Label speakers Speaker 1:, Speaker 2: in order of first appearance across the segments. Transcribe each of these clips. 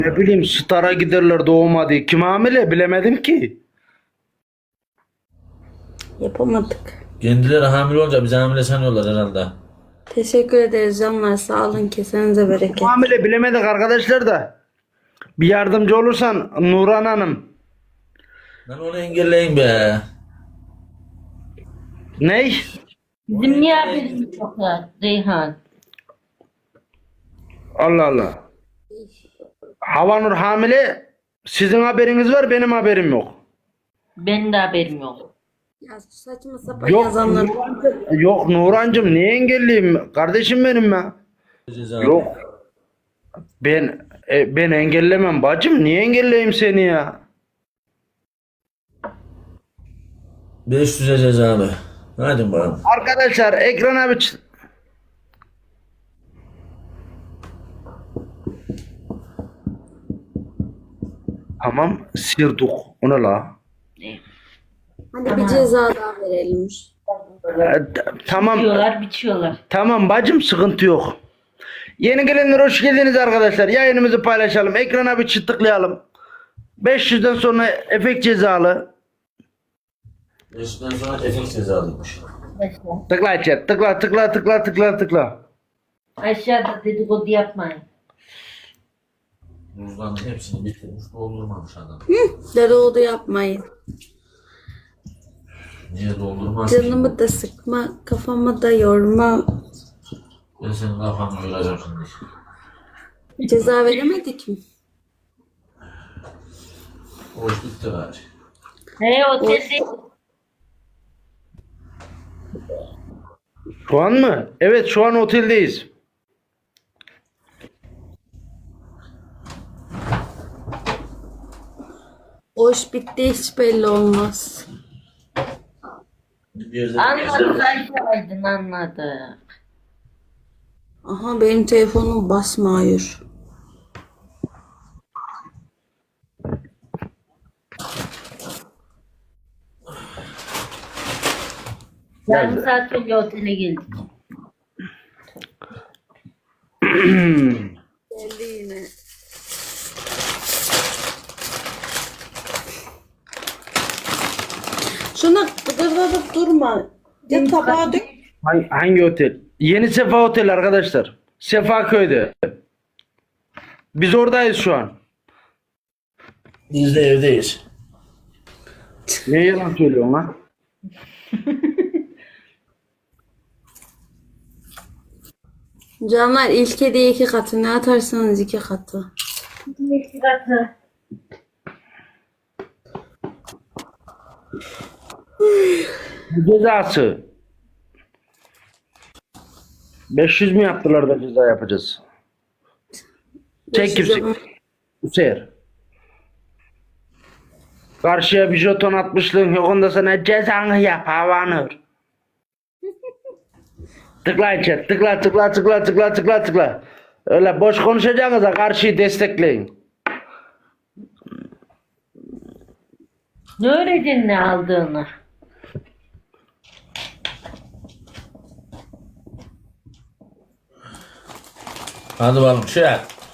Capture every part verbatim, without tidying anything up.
Speaker 1: Ne bileyim Star'a giderler doğmadı. Kim hamile bilemedim ki.
Speaker 2: Yapamadık.
Speaker 3: Kendileri hamile olunca bizi hamile sanıyorlar herhalde.
Speaker 2: Teşekkür ederiz canlar. Sağ olun. Kesenize bereket.
Speaker 1: Hamile bilemedik arkadaşlar da. Bir yardımcı olursan Nuran Hanım.
Speaker 3: Lan onu engelleyin be.
Speaker 1: Ney?
Speaker 4: Bizim niye haberimiz yok ya Reyhan?
Speaker 1: Allah Allah. Havanur hamile. Sizin haberiniz var, benim haberim yok.
Speaker 4: Benim de haberim yok.
Speaker 2: Ya saçma sapan
Speaker 1: Yok
Speaker 2: yazanlar.
Speaker 1: Nurancım, yok Nurancım niye engelliyim? Kardeşim benim ya.
Speaker 3: Ceza.
Speaker 1: Yok. Ben e, ben engellemem bacım. Niye engelleyeyim seni ya?
Speaker 3: beş yüze cezalı. Hadi bakalım.
Speaker 1: Arkadaşlar ekrana bir ç- Tamam sirdik. O ne la?
Speaker 2: Hadi bir ceza daha verelim.
Speaker 1: E, t- tamam.
Speaker 4: Biçiyorlar, biçiyorlar.
Speaker 1: Tamam bacım sıkıntı yok. Yeni gelenler hoş geldiniz arkadaşlar. Yayınımızı paylaşalım. Ekrana bir çıt tıklayalım. beş yüzden sonra efekt cezalı.
Speaker 3: beş yüzden sonra efekt cezalıymış.
Speaker 1: Tıkla chat. Tıkla tıkla tıkla tıkla tıkla.
Speaker 4: Aşağıda dedikodu yapmayın.
Speaker 3: Buzların hepsini bitirmiş, doldurmamış adam.
Speaker 2: Dedikodu yapmayın.
Speaker 3: Niye doldurmaz ki?
Speaker 2: Canımı da sıkma. Kafamı da yorma.
Speaker 3: Ben senin kafanı yoracağım şimdi.
Speaker 2: Ceza veremedik mi?
Speaker 3: O iş bitti gari.
Speaker 4: He otelde
Speaker 1: Şu an mı? Evet şu an oteldeyiz.
Speaker 2: O iş bitti hiç belli olmaz.
Speaker 3: Bir yerde
Speaker 4: anladı Aydın anladı.
Speaker 2: Aha benim telefonum basmıyor.
Speaker 4: Yarım saat önce otele geldik.
Speaker 2: Geldi yine. Şuna gıdırdadıp durma. Ya tabağa dök.
Speaker 1: Hangi, hangi otel? Yeni Sefa Otel arkadaşlar. Sefaköy'de. Biz oradayız şu an.
Speaker 3: Biz de evdeyiz.
Speaker 1: Ne yalan söylüyorsun lan?
Speaker 2: Canlar ilk hediye iki katı. Ne atarsanız iki katı.
Speaker 4: İki katı.
Speaker 1: Cezası. beş yüz mü yaptılar da ceza yapacağız? Çek kimse. Hüseyin. Karşıya bir jeton atmışlığın yok onda sana cezanı yap Havanur. Tıklayın chat. Tıkla tıkla tıkla tıkla tıkla tıkla. Öyle boş konuşacağınıza karşıyı destekleyin.
Speaker 4: Ne öğrendin ne aldığını?
Speaker 3: Hadi bakalım şey.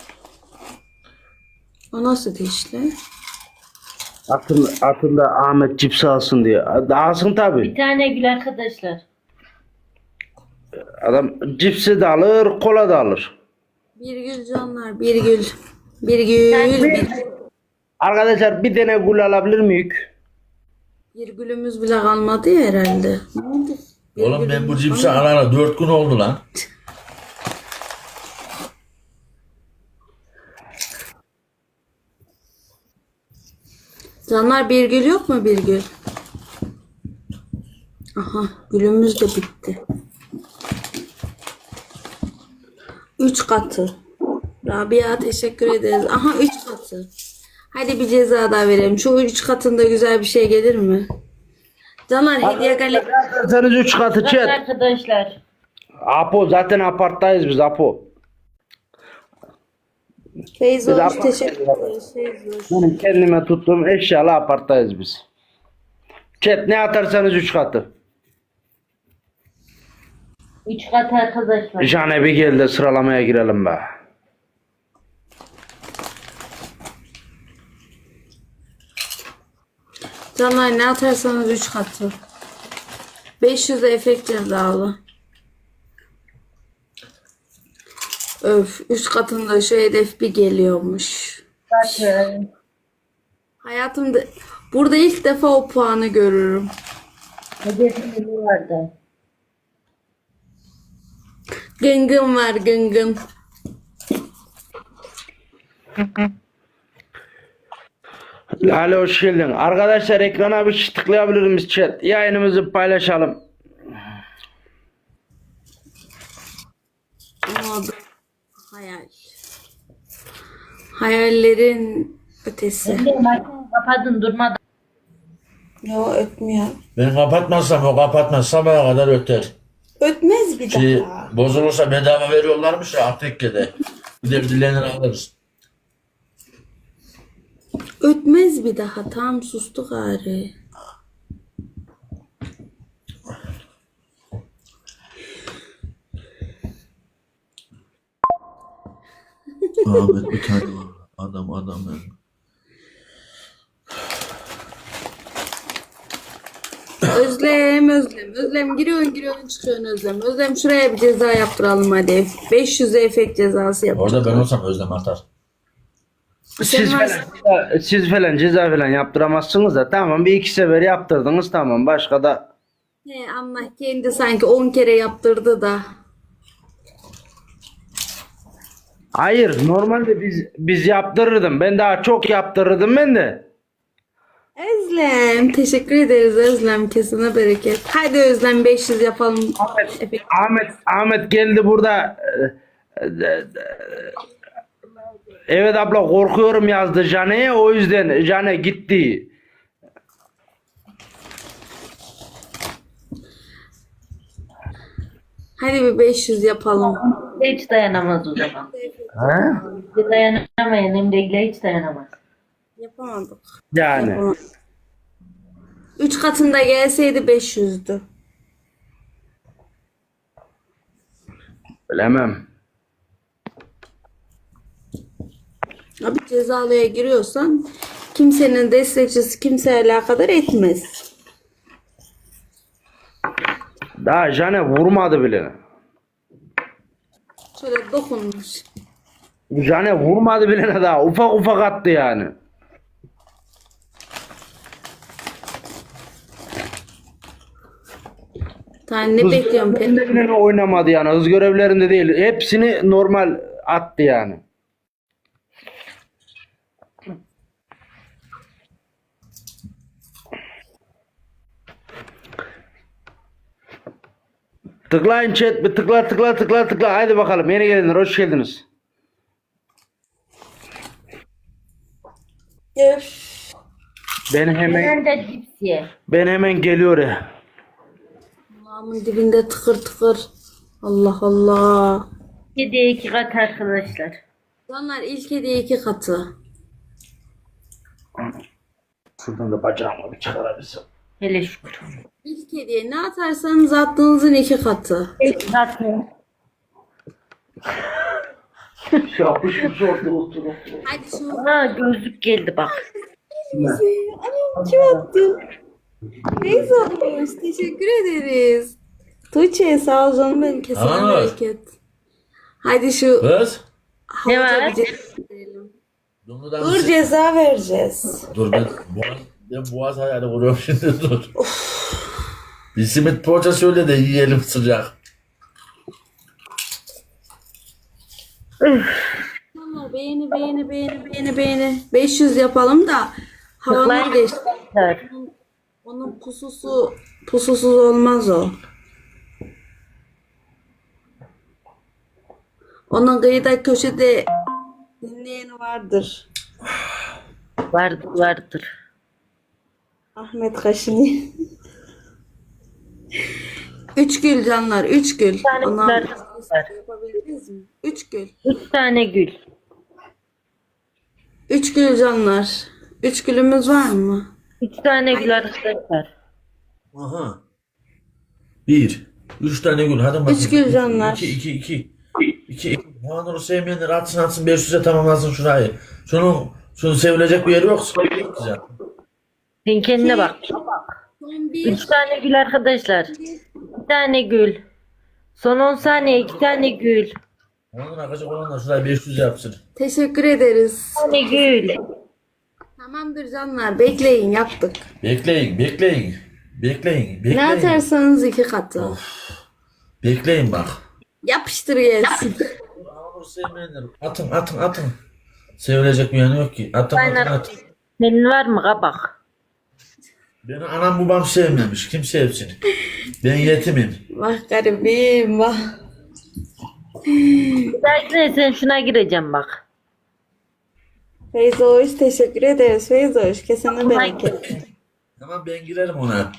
Speaker 2: O nasıl dişli?
Speaker 1: Atın, atında Ahmet cipsi alsın diye. Alsın tabi.
Speaker 4: Bir tane gül arkadaşlar.
Speaker 1: Adam cipsi de alır, kola da alır.
Speaker 2: Bir gül canlar. Bir gül. Bir gül. Bir,
Speaker 1: Arkadaşlar bir tane gül alabilir miyiz?
Speaker 2: bir gülümüz bile kalmadı ya herhalde. Ne oldu? Bir
Speaker 3: Oğlum ben bu
Speaker 2: gülümüz
Speaker 3: cipsi
Speaker 2: kalmadı.
Speaker 3: alana dört gün oldu lan.
Speaker 2: Canlar bir gül yok mu bir gül? Aha gülümüz de bitti. Üç katı. Rabia teşekkür ederiz. Aha üç katı. Hadi bir ceza daha verelim. Şu üç katında güzel bir şey gelir mi? Canlar hediye galeri.
Speaker 1: Atarsanız üç katı
Speaker 4: Bakın
Speaker 1: chat.
Speaker 4: arkadaşlar.
Speaker 1: Apo zaten aparttayız biz Apo.
Speaker 2: Feyzo
Speaker 1: Bir de
Speaker 2: hoş
Speaker 1: apart-
Speaker 2: teşekkür ederiz. Feyzo hoş.
Speaker 1: Benim kendime tuttuğum eşyalı aparttayız biz. Chat ne atarsanız üç katı.
Speaker 4: Üç katı arkadaşlar.
Speaker 1: Jane bir gel de sıralamaya girelim be.
Speaker 2: Canlar ne atarsanız üç katı. beş yüz de efekt cezalı. Öf, üç katında şu hedef bir geliyormuş.
Speaker 4: Bakın.
Speaker 2: Hayatımda burada ilk defa o puanı görürüm.
Speaker 4: Hedefim vardı.
Speaker 2: Gıngın var gıngın.
Speaker 1: Lale hoş geldin. Arkadaşlar ekrana bir şey tıklayabilir miyiz chat? Yayınımızı paylaşalım.
Speaker 2: Ama bu hayal. Hayallerin ötesi.
Speaker 4: Şimdi makinesi kapadın durmadan.
Speaker 2: Yo ötmüyor.
Speaker 3: Ben kapatmazsam o kapatmaz. Sabaha kadar öter.
Speaker 2: Ötmez bir
Speaker 3: Ki
Speaker 2: daha.
Speaker 3: bozulursa bedava veriyorlarmış ya Aptekke'de. Bir de birilerini alırız.
Speaker 2: Ötmez bir daha. Tam sustu gari.
Speaker 3: Ahmet bir tane var. Adam adam yani.
Speaker 2: Özlem, Özlem. Özlem giriyorsun giriyorsun çıkıyorsun Özlem. Özlem şuraya bir ceza yaptıralım hadi. beş yüz efekt cezası yapalım.
Speaker 3: Orada ben olsam Özlem atar.
Speaker 1: Siz
Speaker 2: Sen
Speaker 1: falan,
Speaker 2: varsın.
Speaker 1: siz falan ceza falan yaptıramazsınız da tamam bir iki sefer yaptırdınız tamam başka da
Speaker 2: He, Allah kendi sanki on kere yaptırdı da.
Speaker 1: hayır normalde biz biz yaptırırdım ben daha çok yaptırırdım ben de.
Speaker 2: Özlem teşekkür ederiz Özlem kesine bereket. Hadi Özlem beş yüz yapalım.
Speaker 1: Ahmet,
Speaker 2: Efekt.
Speaker 1: Ahmet, Ahmet geldi burada. e, e, e, Evet abla korkuyorum yazdı Jane'ye o yüzden Jane gitti.
Speaker 2: Hadi bir beş yüz yapalım.
Speaker 4: Hiç dayanamaz o zaman.
Speaker 1: Ha?
Speaker 4: Bir dayanamayan Emre'yle hiç dayanamaz.
Speaker 2: Yapamadık.
Speaker 1: Yani
Speaker 2: Yapamadık. Üç katında gelseydi beş yüzdü.
Speaker 1: bilemem.
Speaker 2: Abi cezalıya giriyorsan kimsenin destekçisi kimseye alakadar etmez.
Speaker 1: Daha Jane vurmadı bile.
Speaker 2: Şöyle dokunmuş.
Speaker 1: Jane vurmadı bile daha ufak ufak attı yani.
Speaker 2: Tane ne bekliyorum pek.
Speaker 1: Hız bile oynamadı yani hız görevlerinde değil. Hepsini normal attı yani. Tıklayın chat bir tıkla tıkla tıkla tıkla haydi bakalım yeni gelenler hoş geldiniz. Ben hemen
Speaker 4: Ben de cips ye.
Speaker 1: ben hemen geliyor ya.
Speaker 2: Kulağımın dibinde tıkır tıkır. Allah Allah.
Speaker 4: Yediye iki kat arkadaşlar.
Speaker 2: Canlar ilk hediye iki katı.
Speaker 1: Şuradan da bacağıma bir çıkarabilsem.
Speaker 4: Hele şükür.
Speaker 2: İlk hediye ne atarsanız attığınızın iki katı.
Speaker 4: Zaten.
Speaker 1: Yapışmış orada oturup.
Speaker 2: Hadi şu.
Speaker 4: Ha gözlük geldi bak.
Speaker 2: Anam kim attı? Neyse olmuş. Teşekkür ederiz. Tuğçe sağ ol canım benim kesene
Speaker 3: Aa.
Speaker 2: bereket. Hadi şu
Speaker 3: Kız.
Speaker 4: Ne
Speaker 2: havuca
Speaker 4: var?
Speaker 2: bir ceza verelim.
Speaker 3: Dumrudan
Speaker 2: Dur ceza vereceğiz.
Speaker 3: Dur ben boğaz, ben boğaz hayali kuruyorum şimdi dur. Bir simit poğaça söyle de yiyelim sıcak.
Speaker 2: Tamam beğeni beğeni beğeni beğeni beğeni. beş yüz yapalım da havanın
Speaker 4: Tıklayın
Speaker 2: geçti.
Speaker 4: arkadaşlar.
Speaker 2: Onun pususu pususuz olmaz o. Onun kıyıda köşede dinleyen vardır.
Speaker 4: Vardır vardır.
Speaker 2: Ahmet Kaşini. Üç gül canlar, üç gül.
Speaker 4: Bir tane
Speaker 2: Ondan
Speaker 4: güzel var.
Speaker 2: yapabildiniz mi? Üç gül.
Speaker 4: Üç tane gül.
Speaker 2: Üç gül canlar. Üç gülümüz var mı?
Speaker 4: Üç tane gül arkadaşlar.
Speaker 3: Aha. Bir. Üç tane gül. Hadi bakayım.
Speaker 2: Üç gül canlar.
Speaker 3: İki, iki, iki. İki, iki. Havanur'u sevmeyenler atsın atsın beş yüze tamamlasın şurayı. Şunun, şunun sevilecek bir yeri yok. Çok güzel.
Speaker 4: Sen kendine bak.
Speaker 2: Son bir.
Speaker 4: Üç tane gül arkadaşlar. Bir tane gül. Son on saniye iki tane gül.
Speaker 3: Onun akacak olanlar şuraya beş yüz yapsın.
Speaker 2: Teşekkür ederiz.
Speaker 4: Bir tane gül.
Speaker 2: Tamamdır canlar. Bekleyin yaptık.
Speaker 3: Bekleyin, bekleyin. Bekleyin, bekleyin.
Speaker 2: Ne atarsanız iki katı.
Speaker 3: Bekleyin bak.
Speaker 2: Yapıştır gelsin.
Speaker 3: Ağır sevmeyenler. Atın, atın, atın. Sevilecek bir yanı yok ki. Atın, atın, atın.
Speaker 4: Senin var mı kabak?
Speaker 3: Beni anam babam sevmemiş. Kim sevsin? Ben yetimim.
Speaker 2: Vah garibim vah.
Speaker 4: Bir dahakine sen şuna gireceğim bak.
Speaker 2: Feyzoş teşekkür ederiz Feyzoş. Kesene bereket.
Speaker 3: Tamam ben girerim ona.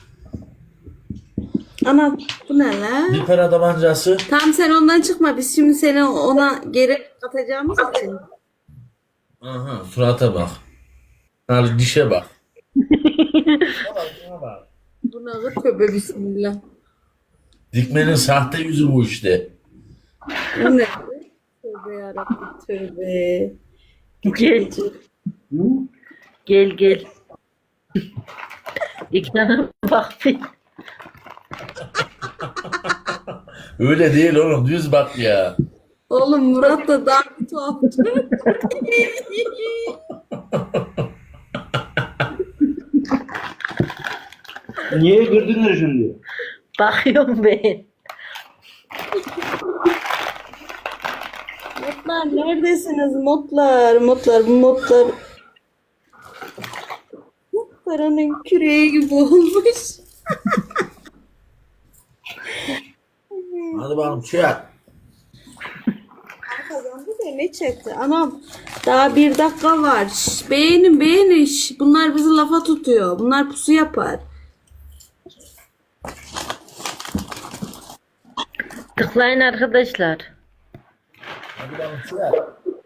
Speaker 2: Ana bu ne la?
Speaker 3: Bir para tabancası.
Speaker 2: Tamam sen ondan çıkma. Biz şimdi seni ona geri atacağımız için.
Speaker 3: Aha surata bak. Al dişe bak.
Speaker 2: Bu ne tövbe bismillah.
Speaker 3: Dikmenin sahte yüzü bu işte.
Speaker 2: Bu ne? Tövbe yarabbim tövbe.
Speaker 4: Gel. Gel gel. İkrana bak bir.
Speaker 3: Öyle değil oğlum düz bak ya.
Speaker 2: Oğlum Murat da daha bir tuhaf.
Speaker 1: Niye girdin şimdi?
Speaker 4: Bakıyorum ben.
Speaker 2: Modlar neredesiniz modlar? Modlar bu modlar. Paranın küreği gibi olmuş.
Speaker 3: Hadi bakalım çek.
Speaker 2: Kazandı da ne çekti? Anam daha bir dakika var. Şş, beğenin beğenin. Şş, bunlar bizi lafa tutuyor. Bunlar pusu yapar.
Speaker 4: Tıklayın arkadaşlar.
Speaker 3: Hadi bakalım çek.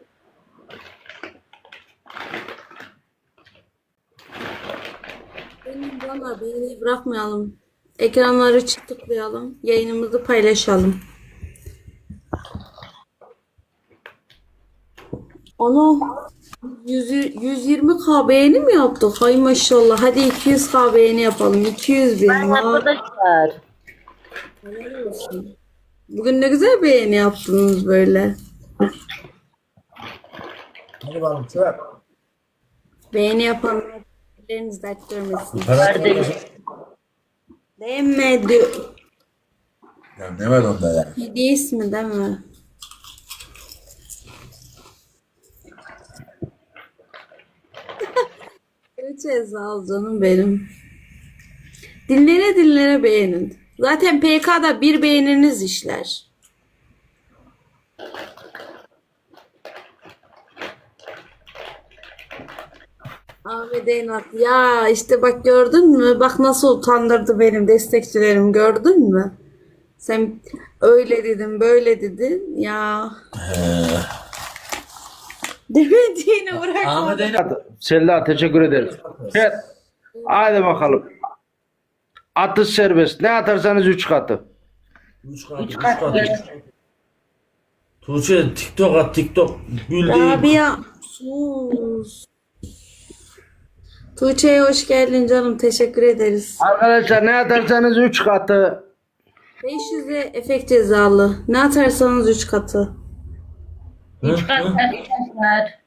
Speaker 2: Benim bana beğeni bırakmayalım. Ekranları çık tıklayalım. Yayınımızı paylaşalım. Ana yüz, yüz yirmi K beğeni mi yaptık? Hay maşallah. Hadi iki yüz K beğeni yapalım. iki yüz bin. Ha.
Speaker 4: Arkadaşlar.
Speaker 2: Helal olsun. Bugün ne güzel beğeni yaptınız böyle.
Speaker 3: Hadi bakalım çek.
Speaker 2: Beğeni yapanlar elleriniz dert görmesin.
Speaker 3: Para
Speaker 4: Kardeşim.
Speaker 2: Değmedi.
Speaker 3: Ya ne var onda ya?
Speaker 2: Hediye ismi değil mi? Üç Ezal canım benim. Dinlere dinlere beğenin. Zaten P K'da bir beğeniniz işler. Ahmet Eynat ya işte bak gördün mü? Bak nasıl utandırdı benim destekçilerim gördün mü? Sen öyle dedin böyle dedin ya. Demediğini bırak.
Speaker 3: Ahmet Eynat.
Speaker 1: Selda teşekkür ederiz. Evet. Hadi bakalım. Atış serbest. Ne atarsanız üç katı.
Speaker 3: Üç katı, üç katı. Tuğçe TikTok at TikTok. Gül değil.
Speaker 2: Rabia sus. Tuğçe'ye hoş geldin canım. Teşekkür ederiz.
Speaker 1: Arkadaşlar ne atarsanız üç katı.
Speaker 2: beş yüze efekt cezalı. Ne atarsanız üç katı.
Speaker 4: Üç kat arkadaşlar.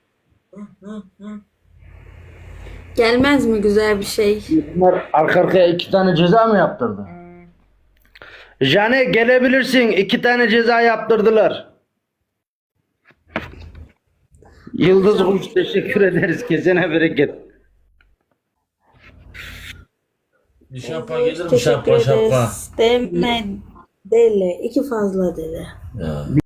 Speaker 2: Gelmez mi güzel bir şey?
Speaker 1: Bunlar arka arkaya iki tane ceza mı yaptırdı? Jane gelebilirsin. İki tane ceza yaptırdılar. Yıldız Kuş teşekkür ederiz. Kesene bereket.
Speaker 3: Bir şapka gelir mi
Speaker 2: Teşekkür
Speaker 3: şapka şapka?
Speaker 2: ederiz. Deme. Dele. İki fazla dele.
Speaker 3: Ya.